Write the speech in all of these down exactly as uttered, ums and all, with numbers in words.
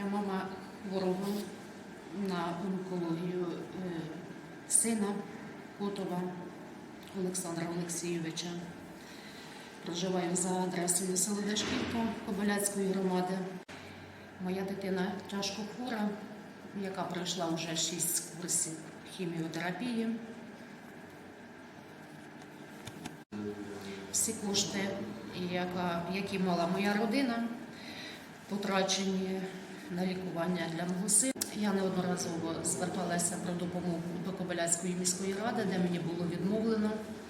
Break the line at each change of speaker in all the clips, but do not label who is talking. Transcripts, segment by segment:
Я мама ворогу на онкологію сина Котова Олександра Олексійовича. Проживаю за адресою село Дашківка Кобиляцької громади. Моя дитина тяжко хвора, яка пройшла вже шість курсів хіміотерапії. Всі кошти, які мала моя родина, потрачені на лікування для мого сина. Я неодноразово зверталася про допомогу до Кобиляцької міської ради, де мені було відмовлено.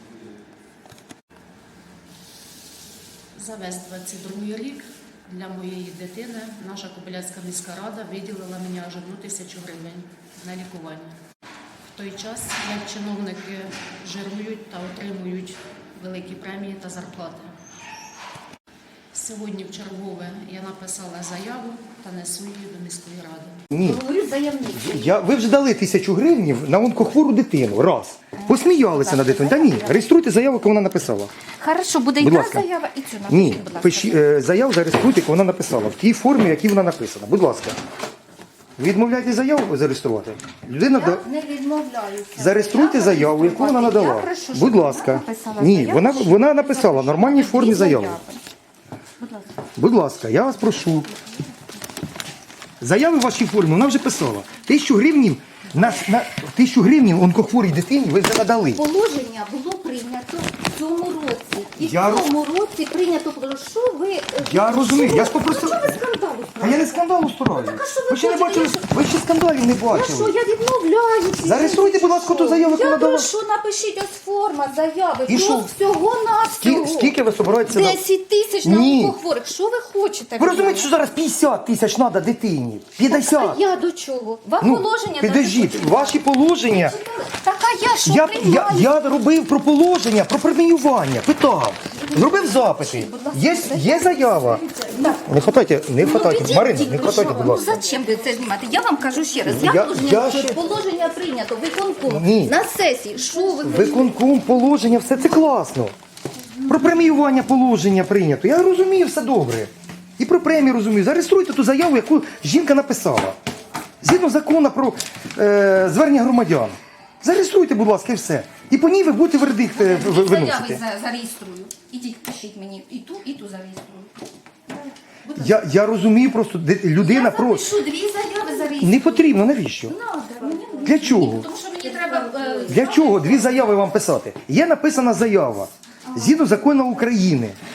За весь двадцять другий рік для моєї дитини наша Кобиляцька міська рада виділила мені аж одну тисячу гривень на лікування. В той час, як чиновники жирують та отримують великі премії та зарплати. Сьогодні в чергове я написала заяву та несу її до міської ради.
Ні.
Говорю заявник.
Я, ви вже дали тисячу гривень на онкохвору дитину. Раз. Посміялися на дитину. Та ні, реєструйте заяву, яку вона написала.
Хорошо, буде
Будь
яка
ласка.
заява і цю напишіть,
Ні,
будь ласка.
пиші, е, заяву зареєструйте, яку вона написала. В тій формі, в якій вона написана. Будь ласка. Ви відмовляєте заяву зареєструвати? Людина
Я
да...
не відмовляюся.
Зареєструйте
Я
заяву, яку вона
реєструвати.
надала.
Я прошу, щоб
Будь
вона
ласка.
написала
Ні,
заяву,
вона,
що
вона
я
написала в нормальній формі
дві
заяву.
заяви. Будь ласка.
Будь ласка, я вас прошу. Заяви в вашій формі вона вже писала. Тисячу гривнів на, на тисячу гривнів онкохворій дитині ви вже надали.
Положення було прийнято в цьому році. І
Я
в цьому році прийнято положення. Що ви...
Я розумію,
що
я
ви-
ж попросив-
А чого ви скандалу
А я
справите?
не скандалу стараю.
Так, а що ви
Ви ще не
хочете?
бачили, ви ще скандалів не
Ну що,
бачили.
я відмовляюся.
Зареєструйте, будь ласка, ту заяву, яку
Я
надала.
прошу, напишіть ось форма заяви.
І що?
Всього на
Скільки, скільки ви собираєтеся? на-
десять тисяч на
Ні.
онкохворих. Що ви хочете?
Ви
від
розумієте,
мене?
що зараз п'ятдесят тисяч треба дитині? п'ятдесят.
А я до чого? Вам
Ну,
положення...
підождіть,
дати
ваші положення.
Так, а я що
Я, я,
приймаю?
я робив про положення, про преміювання, питав. Зробив запити. Є, є заява.
Так.
Не хватайте, не хватайте.
Ну,
Марина,
підійдіть,
не
ну,
хватайте,
що
будь
ви?
ласка.
Ну, зачем ви це знімати? Я вам кажу ще раз. Я,
Я-
положення,
я
що
ще-
положення прийнято, виконком,
Ні.
на сесії. Що ви?
Виконком, положення, все це класно. Про преміювання положення прийнято. Я розумію, все добре. І про премію розумію. Зареєструйте ту заяву, яку жінка написала. Згідно закону про е, звернення громадян. Зареєструйте, будь ласка, і все. І по ній ви будете вердикт е, в-
Заяви
виносити.
за- зареєструю. Ідіть, пишіть мені і ту, і ту зареєструю. Будь ласка.
Я, я розумію просто, де- людина
Я
просто...
запишу дві заяви зареєструю.
Не потрібно, навіщо?
Надо, мені не
Для
потрібно,
чого?
Тому що мені треба... е,
Для чого дві заяви вам писати? Є написана заява. Згідно закону України.